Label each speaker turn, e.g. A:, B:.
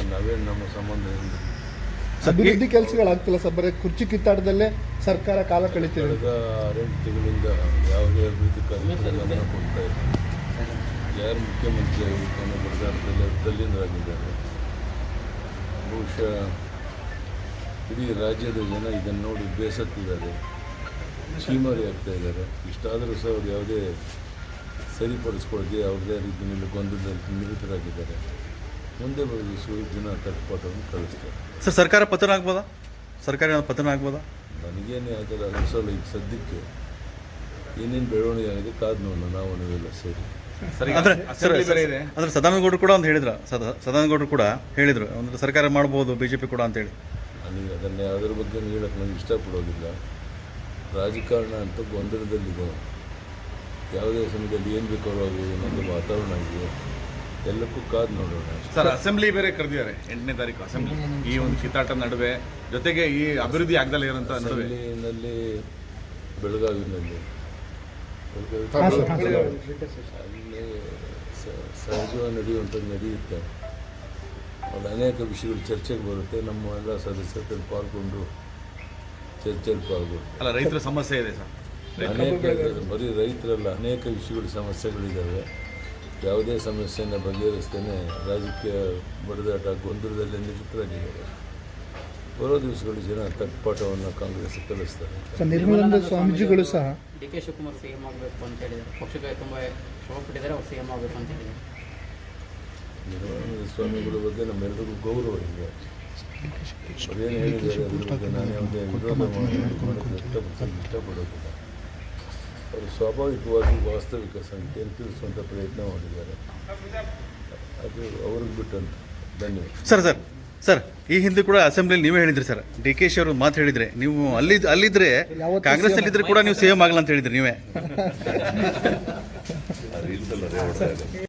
A: ನಾವೇನು ನಮ್ಮ ಸಂಬಂಧ ಇಲ್ಲ.
B: ಅಭಿವೃದ್ಧಿ ಕೆಲಸಗಳಾಗ್ತಿಲ್ಲ ಸರ್, ಬರೀ ಕುರ್ಚಿ ಕಿತ್ತಾಟದಲ್ಲೇ ಸರ್ಕಾರ ಕಾಲ ಕಳೀತಿದೆ.
A: ಕಳೆದ 6 ತಿಂಗಳಿಂದ ಯಾವುದೇ ಅಭಿವೃದ್ಧಿ ಕಾರ್ಯಕ್ರಮ ಗಮನ ಕೊಡ್ತಾ ಇಲ್ಲ. ಯಾರು ಮುಖ್ಯಮಂತ್ರಿ ಆಗಿರ್ತಾನೆ ಬಡದಾಟದಲ್ಲಿ ತಲ್ಲೀನರಾಗಿದ್ದಾರೆ. ಬಹುಶಃ ಇಡೀ ರಾಜ್ಯದ ಜನ ಇದನ್ನು ನೋಡಿ ಬೇಸತ್ತಿದ್ದಾರೆ, ಚೀಮಾರಿ ಆಗ್ತಾ ಇದ್ದಾರೆ. ಇಷ್ಟಾದರೂ ಸಹ ಅವರು ಯಾವುದೇ ಸರಿಪಡಿಸ್ಕೊಳ್ಳದೆ ಅವ್ರದ್ದೇ ರೀತಿಯಲ್ಲಿ ಗೊಂದಲದಲ್ಲಿ ನಿರತರಾಗಿದ್ದಾರೆ. ಮುಂದೆ ಬರುವ ಜನ ತಟ್ಪಾಟವನ್ನು ಕಳಿಸ್ತಾರೆ.
C: ಸರ್, ಸರ್ಕಾರ ಪತನ ಆಗ್ಬೋದಾ? ಸರ್ಕಾರ ಪತನ ಆಗ್ಬೋದಾ?
A: ನನಗೇನೆ ಅದರ ಅನಿಸಲ್ಲ. ಈಗ ಸದ್ಯಕ್ಕೆ ಏನೇನು ಬೆಳವಣಿಗೆ ಆಗಿದೆ ಕಾದು ನೋಡೋಣ ನಾವು ನೀವೆಲ್ಲ ಸೇರಿ.
C: ಅಂದ್ರೆ ಸದಾನಂದಗೌಡರು ಕೂಡ ಒಂದು ಹೇಳಿದ್ರು, ಸದಾನಂದಗೌಡರು ಕೂಡ ಹೇಳಿದರು ಅಂದ್ರೆ ಸರ್ಕಾರ ಮಾಡ್ಬೋದು BJP ಕೂಡ ಅಂತೇಳಿ.
A: ನನಗೆ ಅದನ್ನು ಯಾವುದ್ರ ಬಗ್ಗೆ ಹೇಳಕ್ಕೆ ನನಗೆ ಇಷ್ಟಪಡೋದಿಲ್ಲ. ರಾಜಕಾರಣ ಅಂತ ಗೊಂದಲದಲ್ಲಿದೆ. ಯಾವುದೇ ಸಮಯದಲ್ಲಿ ಏನು ಬೇಕಾದ್ರೂ ಆಗ್ಬೋದು ಅನ್ನೋದು ವಾತಾವರಣ ಆಗಿದೆ. ಎಲ್ಲಕ್ಕೂ ಕಾದು ನೋಡೋಣ.
D: ಸರ್, ಅಸೆಂಬ್ಲಿ ಬೇರೆ ಕರೆದಿದ್ದಾರೆ 8ನೇ ತಾರೀಕು ಅಸೆಂಬ್ಲಿ. ಈ ಒಂದು ಕಿತ್ತಾಟ ನಡುವೆ ಜೊತೆಗೆ ಈ ಅಭಿವೃದ್ಧಿ ಆಗದಲ್ಲ ಇರೋಂಥ ನಡುವೆ
A: ಅಸೆಂಬ್ಲಿನಲ್ಲಿ ಬೆಳಗಾವಿನಲ್ಲಿ ಅಲ್ಲಿ ಸಹಜವಾಗಿ ನಡೆಯುವಂಥದ್ದು ನಡೆಯುತ್ತೆ. ಅಲ್ಲಿ ಅನೇಕ ವಿಷಯಗಳು ಚರ್ಚೆಗೆ ಬರುತ್ತೆ. ನಮ್ಮ ಎಲ್ಲ ಸದಸ್ಯರಲ್ಲಿ ಪಾಲ್ಗೊಂಡು ಚರ್ಚೆಯಲ್ಲಿ ಪಾಲ್ಗೊಂಡು
D: ಅಲ್ಲ, ರೈತರ ಸಮಸ್ಯೆ ಇದೆ ಸರ್.
A: ಅನೇಕ ಬರೀ ರೈತರಲ್ಲ, ಅನೇಕ ವಿಷಯಗಳು ಸಮಸ್ಯೆಗಳಿದ್ದಾವೆ. ಯಾವುದೇ ಸಮಸ್ಯೆಯನ್ನು ಬಗೆಹರಿಸ್ತೇನೆ ರಾಜಕೀಯ ಬಡದಾಟ ಗೊಂದಲದಲ್ಲಿ ನಿರತರಾಗಿದ್ದಾರೆ. ಬರೋ ದಿವಸಗಳು ಜನ ತಟ್ಪಾಟವನ್ನು ಕಾಂಗ್ರೆಸ್ ಕಲಿಸ್ತಾರೆ.
B: ನಿರ್ಮಲಾನಂದ ಸ್ವಾಮೀಜಿಗಳು ಸಹ
E: DK ಶಿವಕುಮಾರ್ CM ಆಗಬೇಕು ಅಂತ ಹೇಳಿದ್ದಾರೆ. ಪಕ್ಷಕ್ಕೆ ತುಂಬ ಶ್ರಮ ಪಟ್ಟಿದ್ದಾರೆ, ಅವ್ರು CM ಆಗಬೇಕು ಅಂತ ಹೇಳಿದ್ದಾರೆ.
A: ನಿರ್ಮಲಾನಂದ ಸ್ವಾಮಿಗಳ ಬಗ್ಗೆ ನಮ್ಮೆಲ್ಲರಿಗೂ ಗೌರವ ಇದೆ. ಅದೇನು ಹೇಳಿದ್ದಾರೆ ಅದ್ರ ಬಗ್ಗೆ ನಾನು ಯಾವುದೇ ವಿರೋಧ ಮಾಡೋಕ್ಕೆ ಇಷ್ಟಪಡೋದಿಲ್ಲ. ಅವರು ಸ್ವಾಭಾವಿಕವಾಗಿ ವಾಸ್ತವಿಕ ಸಂಖ್ಯೆಯನ್ನು ತಿಳಿಸುವಂಥ ಪ್ರಯತ್ನ ಮಾಡಿದ್ದಾರೆ. ಅದು ಅವ್ರಿಗೆ ಬಿಟ್ಟಂತ. ಧನ್ಯವಾದ.
C: ಸರ್, ಈ ಹಿಂದೆ ಕೂಡ ಅಸೆಂಬ್ಲಿಯಲ್ಲಿ ನೀವೇ ಹೇಳಿದ್ರಿ ಸರ್, DK ಶಿ ಅವರು ಮಾತು ಹೇಳಿದ್ರೆ ನೀವು ಅಲ್ಲಿದ್ರೆ ಕಾಂಗ್ರೆಸ್ ಅಲ್ಲಿದ್ರೆ ಕೂಡ ನೀವು CM ಆಗಲ್ಲ ಅಂತ ಹೇಳಿದ್ರಿ ನೀವೇ.